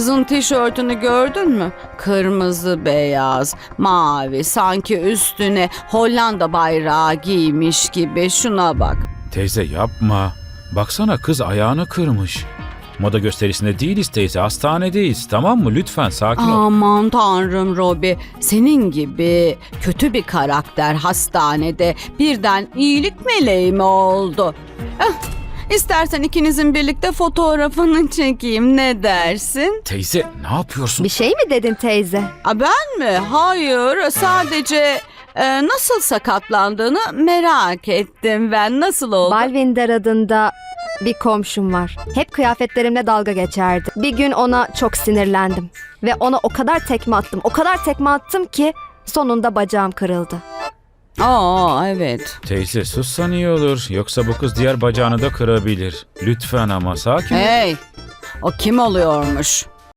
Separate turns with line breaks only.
Kızın tişörtünü gördün mü? Kırmızı, beyaz, mavi, sanki üstüne Hollanda bayrağı giymiş gibi. Şuna bak.
Teyze yapma. Baksana kız ayağını kırmış. Moda gösterisinde değiliz teyze, hastanedeyiz, tamam mı? Lütfen sakin ol.
Aman tanrım Robi, senin gibi kötü bir karakter hastanede birden iyilik meleği mi oldu? İstersen ikinizin birlikte fotoğrafını çekeyim, ne dersin?
Teyze ne yapıyorsun?
Bir şey mi dedin teyze?
Ben mi? Hayır, sadece nasıl sakatlandığını merak ettim ben. Nasıl oldu?
Balvinder adında bir komşum var. Hep kıyafetlerimle dalga geçerdi. Bir gün ona çok sinirlendim. Ve ona o kadar tekme attım ki sonunda bacağım kırıldı.
Evet.
Teyze sussan iyi olur. Yoksa bu kız diğer bacağını da kırabilir. Lütfen ama sakin ol.
Hey, o kim oluyormuş?